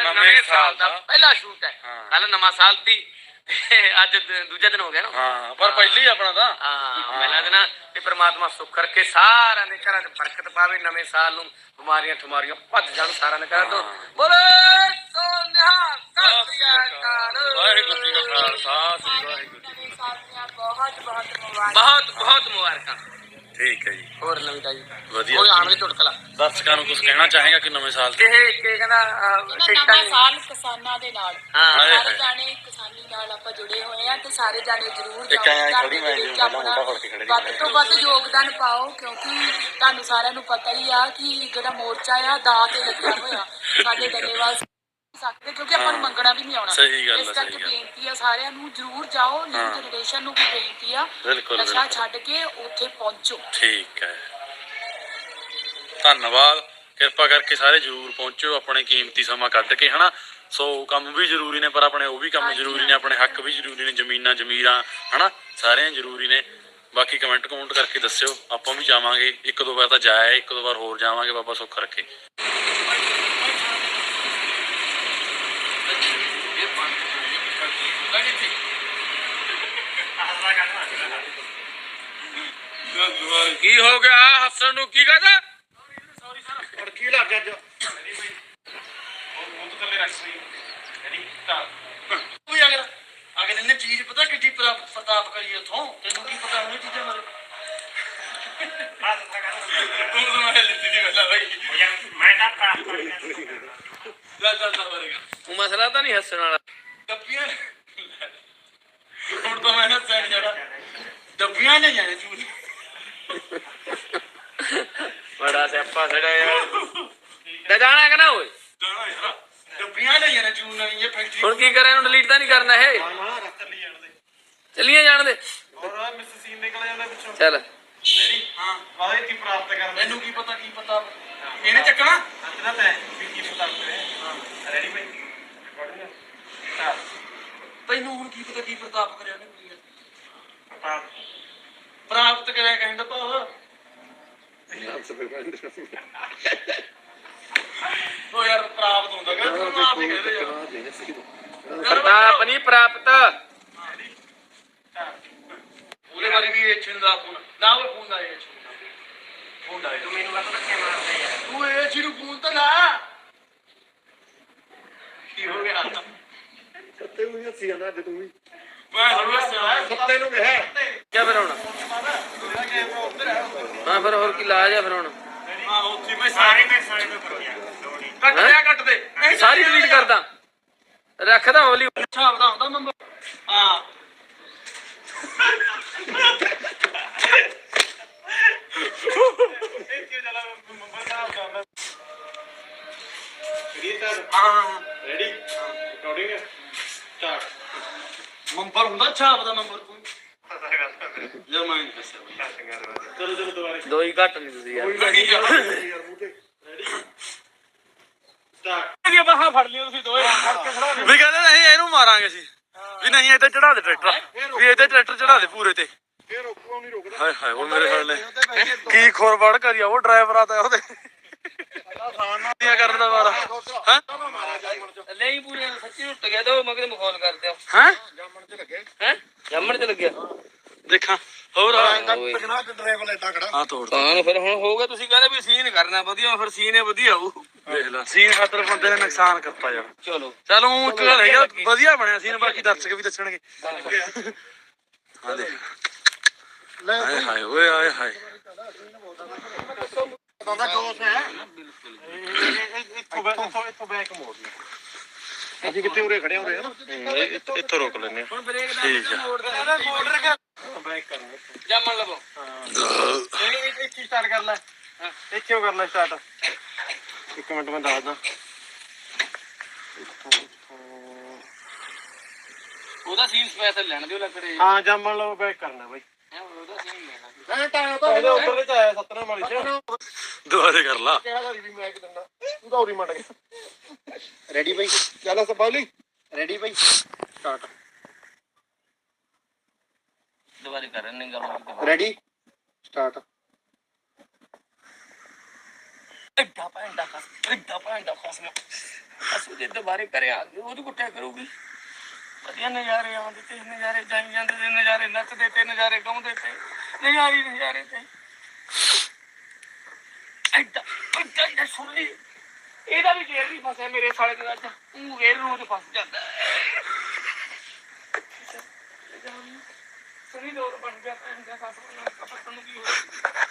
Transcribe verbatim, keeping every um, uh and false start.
ਨਵੇਂ ਸਾਲ ਦਾ ਪਹਿਲਾ ਸ਼ੂਟ ਹੈ। ਕੱਲ ਨਵਾਂ ਸਾਲ ਸੀ, ਅੱਜ ਦੂਜਾ ਦਿਨ ਹੋ ਗਿਆ ਨਾ। ਹਾਂ ਪਰ ਪਹਿਲੀ ਆਪਣਾ ਤਾਂ ਹਾਂ ਪਹਿਲਾ ਦਿਨ। ਤੇ ਪ੍ਰਮਾਤਮਾ ਸੁੱਖ ਰੱਖੇ, ਸਾਰਿਆਂ ਦੇ ਘਰਾਂ 'ਚ ਬਰਕਤ ਪਾਵੇ, ਨਵੇਂ ਸਾਲ ਨੂੰ ਬਿਮਾਰੀਆਂ ਠਮਾਰੀਆਂ ਭੱਜ ਜਾਣ ਸਾਰਿਆਂ ਦੇ ਘਰਾਂ ਤੋਂ। ਬੋਲੇ ਸੋ ਨਿਹਾਲ, ਸਤਿ ਸ੍ਰੀ ਅਕਾਲ, ਵਾਹਿਗੁਰੂ ਜੀ ਕਾ ਖਾਲਸਾ, ਸ੍ਰੀ ਵਾਹਿਗੁਰੂ ਜੀ ਕੀ ਫਤਿਹ। ਬਹੁਤ ਬਹੁਤ ਮੁਬਾਰਕਾਂ, ਬਹੁਤ ਬਹੁਤ ਮੁਬਾਰਕਾਂ। ਠੀਕ ਹੈ ਜੀ। ਹੋਰ ਨਵੀਂ ਤਾਜੀ ਵਧੀਆ ਕੋਈ ਆਣ ਦੀ ਚੁਟਕਲਾ ਦਰਸ਼ਕਾਂ ਨੂੰ ਕੁਝ ਕਹਿਣਾ ਚਾਹੇਗਾ ਕਿ ਨਵੇਂ ਸਾਲ ਤੇ ਇਹ ਕੀ ਕਹਿੰਦਾ ਨਵਾਂ ਸਾਲ ਕਿਸਾਨਾਂ ਦੇ ਨਾਲ, ਸਾਰੇ ਜਾਣੇ ਕਿਸਾਨੀ ਨਾਲ ਆਪਾਂ ਜੁੜੇ ਹੋਏ ਆ ਤੇ ਸਾਰੇ ਜਾਣੇ ਜ਼ਰੂਰ ਵੱਧ ਤੋਂ ਵੱਧ ਯੋਗਦਾਨ ਪਾਓ, ਕਿਉਂਕਿ ਤੁਹਾਨੂੰ ਸਾਰਿਆਂ ਨੂੰ ਪਤਾ ਹੀ ਆ ਕਿ ਜਿਹੜਾ ਮੋਰਚਾ ਆ ਦਾਅ ਤੇ ਲੱਗਿਆ ਹੋਇਆ ਸਾਡੇ ਡੱਲੇਵਾਲ ਸਕਦੇ, ਕਿਉਂਕਿ ਆਪਾਂ ਨੂੰ ਮੰਗਣਾ ਵੀ ਨਹੀਂ ਆਉਣਾ। ਇਸ ਕਰਕੇ ਬੇਨਤੀ ਆ ਸਾਰਿਆਂ ਨੂੰ ਜ਼ਰੂਰ ਜਾਓ, ਨਿਊ ਜਨਰੇਸ਼ਨ ਨੂੰ ਵੀ ਬੇਨਤੀ ਆ ਨਸ਼ਾ ਛੱਡ ਕੇ ਉੱਥੇ ਪਹੁੰਚੋ। ਠੀਕ ਹੈ, ਧੰਨਵਾਦ। ਕਿਰਪਾ ਕਰਕੇ ਸਾਰੇ ਜ਼ਰੂਰ ਪਹੁੰਚੋ, ਆਪਣੇ ਕੀਮਤੀ ਸਮਾਂ ਕੱਢ ਕੇ, ਹਨਾ। ਸੋ ਕੰਮ ਵੀ ਜ਼ਰੂਰੀ ਨੇ, ਪਰ ਆਪਣੇ ਉਹ ਵੀ ਕੰਮ ਜ਼ਰੂਰੀ ਨੇ, ਆਪਣੇ ਹੱਕ ਵੀ ਜ਼ਰੂਰੀ ਨੇ, ਜ਼ਮੀਨਾਂ ਜ਼ਮੀਰਾਂ ਹਨਾ ਸਾਰਿਆਂ ਜ਼ਰੂਰੀ ਨੇ। ਬਾਕੀ ਕਮੈਂਟ ਕਮੈਂਟ ਕਰਕੇ ਦੱਸਿਓ, ਆਪਾਂ ਵੀ ਜਾਵਾਂਗੇ। ਇੱਕ ਦੋ ਵਾਰ ਤਾਂ ਜਾਇਆ, ਇੱਕ ਦੋ ਵਾਰ ਹੋਰ ਜਾਵਾਂਗੇ, ਬਾਬਾ ਸੁੱਖ ਰੱਖੇ। ਕੀ ਹੋ ਗਿਆ ਹੱਸਣ ਨੂੰ, ਕੀ ਕਹਦਾ? ਸੌਰੀ ਸਰ, ਅੜਕੀ ਲੱਗ ਗਿਆ ਅੱਜ। ਵੀ ਅਗਰ ਅਗਰ ਇਹਨੇ ਚੀਜ਼ ਪਤਾ ਕਿੱਡੀ ਪ੍ਰਤਾਪ ਕਰੀ ਉੱਥੋਂ, ਤੈਨੂੰ ਕੀ ਪਤਾ ਉਹਨੇ ਚੀਜ਼ਾਂ ਬਾਰੇ? ਮਸਲਾ ਤਾਂ ਨਹੀਂ ਹੱਸਣ ਵਾਲਾ। ਡੱਬੀਆਂ ਹੁਣ ਤਾਂ ਮੈਂ ਹੱਸਿਆ ਨੀ ਜਾਣਾ, ਡੱਬੀਆਂ ਲੈ ਜਾਣੇ ਤੂੰ। ਬੜਾ ਸਿਆਪਾ ਸਾਡਾ ਯਾਰ। ਜਾਣਾ ਕਿ ਨਾ ਓਏ? ਜਾਣਾ ਯਾਰ, ਡੱਬੀਆਂ ਲੈ ਜਾਣੇ ਚੂਨ ਨਵੀਂ ਇਹ ਫੈਕਟਰੀ। ਹੁਣ ਕੀ ਕਰਾਂ, ਇਹਨੂੰ ਡਿਲੀਟ ਤਾਂ ਨਹੀਂ ਕਰਨਾ ਇਹ? ਚੱਲੀਏ ਜਾਣ ਦੇ। ਚੱਲ ਰੈਡੀ? ਹਾਂ ਵਾਹਿ ਕੀ ਪ੍ਰਾਪਤ ਕਰ, ਮੈਨੂੰ ਕੀ ਪਤਾ ਕੀ ਪਤਾ ਇਹਨੇ ਚੱਕਣਾ ਕੀ ਪਤਾ। ਰੈਡੀ ਭਾਈ? ਤੈਨੂੰ ਹੁਣ ਕੀ ਪਤਾ ਕੀ ਪ੍ਰਤਾਪ ਕਰਿਆ ਨੇ? ਪ੍ਰਾਪਤ ਕਰਿਆ ਕਹਿੰਦਾ ਭਾਵ ਉਹ ਯਾਰ ਪ੍ਰਾਪਤ ਹੁੰਦਾ ਪ੍ਰਤਾਪ ਨਹੀਂ ਪ੍ਰਾਪਤ। ਉਹਦੇ ਬਾਰੇ ਵੀ ਇਹ ਛਿੰਦਾ ਫੋਨ ਨਾ, ਉਹ ਫੋਨ ਦਾ ਇਹ ਫੋਨ ਦਾ ਤੂੰ ਮੈਨੂੰ ਪਤਾ ਧੱਕੇ ਮਾਰਦਾ ਯਾਰ। ਤੂੰ ਇਹ ਚੀਜ਼ ਨੂੰ ਫੋਨ ਤਾਂ ਲਾ। ਕੀ ਹੋ ਗਿਆ? ਸੱਤੇ ਨੂੰ ਹੱਸੀ ਜਾਂਦਾ ਅੱਜ ਤੂੰ ਵੀ। ਮੈਂ ਸੱਤੇ ਨੂੰ ਕਿਹਾ ਕਿਆ ਫਿਰ ਹੁਣ? ਹਾਂ ਫਿਰ ਹੋਰ ਕੀ ਲਾਜ ਆ ਫਿਰ ਹੁਣ? ਹਾਂ ਉੱਥੇ ਮੈਂ ਸਾਰੇ ਮੈਂ ਸਾਰੇ ਤੋਂ ਕਰ ਗਿਆ। ਕੱਟ ਲਿਆ, ਕੱਟ ਦੇ ਸਾਰੀ ਡਿਲੀਟ ਕਰਦਾ, ਰੱਖਦਾ ਹੌਲੀ। ਅੱਛਾ ਆਪਦਾ ਆਉਂਦਾ ਨੰਬਰ? ਹਾਂ ਰੈਡੀ? Recording start. ਨੰਬਰ ਹੁੰਦਾ ਛਾਪ ਦਾ ਨੰਬਰ ਕੋਈ ਯਾਰ ਮੈਂ ਨਹੀਂ ਦੱਸਿਆ। ਚਲੋ ਚਲੋ ਦੁਬਾਰਾ ਦੋ ਹੀ ਘੱਟ ਨਹੀਂ ਤੁਸੀਂ ਯਾਰ। Ready start. ਇਹ ਬਾਹਾਂ ਫੜ ਲਿਓ ਤੁਸੀਂ ਦੋਏ ਫੜ ਕੇ ਖੜਾ ਵੀ ਕਹਿੰਦੇ ਨਹੀਂ ਇਹਨੂੰ ਮਾਰਾਂਗੇ ਅਸੀਂ ਵੀ ਨਹੀਂ ਇੱਥੇ ਚੜਾ ਦੇ ਟਰੈਕਟਰ, ਵੀ ਇੱਥੇ ਟਰੈਕਟਰ ਚੜਾ ਦੇ ਪੂਰੇ ਤੇ। ਫੇਰ ਰੋਕੂ ਨਹੀਂ ਰੁਕਦਾ। ਹਾਏ ਹਾਏ ਉਹ ਮੇਰੇ ਸਾਲੇ ਕੀ ਖੋਰਵੜ ਕਰਿਆ ਉਹ ਡਰਾਈਵਰ ਆ ਤਾਂ ਉਹਦੇ ਕਰਨ ਦਾ ਵਾਰਾ ਹੈ ਨਹੀਂ ਪੂਰੇ ਸੱਚੀ ਟੁੱਟ ਗਿਆ। ਤਾਂ ਮਗਰ ਮਖੌਲ ਕਰਦੇ ਹੋ ਹੈ? ਜਾਮਣ ਚ ਲੱਗੇ ਹੈ? ਜਾਮਣ ਚ ਲੱਗਿਆ ਦੇਖਾਂ ਹੋਰ ਡਰਾਈਵਰ ਐਡਾ ਖੜਾ ਹਾਂ ਤੋੜ ਤਾਂ ਫਿਰ ਹੁਣ ਹੋਊਗਾ। ਤੁਸੀਂ ਕਹਿੰਦੇ ਵੀ ਸੀਨ ਕਰਨਾ ਵਧੀਆ, ਫਿਰ ਸੀਨ ਵਧੀਆ ਹੋਊ। ਦੇਖ ਲੈ ਸੀਨ ਖਾਤਰ ਬੰਦੇ ਨੇ ਨੁਕਸਾਨ ਕਰਤਾ ਯਾਰ। ਚਲੋ ਚਲੋ ਇੱਕ ਗੱਲ ਹੈਗਾ ਵਧੀਆ ਬਣਿਆ ਸੀਨ, ਬਾਕੀ ਦਰਸ਼ਕ ਵੀ ਦੱਸਣਗੇ। ਹਾਂ ਦੇਖ ਹਾਏ ਹਾਏ ਓਏ ਹਾਏ ਹਾਏ ਅਸੀਂ ਕਿੱਥੇ ਉਰੇ ਖੜੇ ਹੋ ਰਹੇ ਹਾਂ, ਇੱਥੋਂ ਰੋਕ ਲੈਂਦੇ ਹਾਂ। ਠੀਕ ਹੈ ਜਾਮਣ ਲਵੋ ਇੱਥੇ ਸਟਾਰਟ ਕਰ ਲੈ, ਇੱਥੇ ਕਰ ਲੈ ਸਟਾਰਟ। ਇੱਕ ਮਿੰਟ ਮੈਂ ਦੱਸਦਾ। ਉਹਦਾ ਸੀਨ ਸਪੈਸ਼ਲ ਲੈਣ ਦਿਓ ਲੱਕੜੇ। ਹਾਂ ਜਾਮਣ ਲਵੋ ਬੈਕ ਕਰਨਾ ਬਾਈ। ਉਹਦਾ ਸੀਨ ਲੈਣਾ ਉੱਧਰ ਚ ਆਇਆ ਸਤਨਾਮ ਵਾਲੀ ਚ। ਦੁਬਾਰੇ ਕਰ ਲਾ। ਰੈਡੀ ਬਾਈ? ਚੱਲ ਸਪਾਲੀ ਰੈਡੀ ਬਾਈ ਸਟਾਰਟ। ਦੁਬਾਰੇ ਕਰ ਰਹੇ ਗੱਲ। Ready start. ਐਡਾ ਪੈਂਡਾ ਖਸ ਐਡਾ ਪੈਂਡਾ ਖਸ ਬਸ ਜੇ ਦੁਬਾਰੇ ਘਰੇ ਆ ਗਏ ਉਹਦੀ ਕੁੱਟਿਆ ਕਰੂਗੀ। ਵਧੀਆ ਨਜ਼ਾਰੇ ਆਉਂਦੇ ਤੇ ਨਜ਼ਾਰੇ ਜਾਈ ਜਾਂਦੇ ਤੇ ਨਜ਼ਾਰੇ ਨੱਚਦੇ ਤੇ ਨਜ਼ਾਰੇ ਗਾਉਂਦੇ ਤੇ ਨਜ਼ਾਰੇ ਨਜ਼ਾਰੇ ਤੇ ਏਦਾਂ ਏਦਾਂ ਏਦਾਂ ਸੁਣ ਲਈ ਇਹਦਾ ਵੀ ਗੇਰ ਨਹੀਂ ਫਸਿਆ ਮੇਰੇ ਸਾਲੇ ਦੇ ਅੱਜ ਉਹ ਗੇਰ ਨੂੰ ਤੇ ਫਸ ਜਾਂਦਾ ਸੁਣੀ ਲੋੜ ਬਣ ਗਿਆ ਭੈਣ ਦਾ ਸੱਸ ਨੂੰ ਕੀ ਹੋਇਆ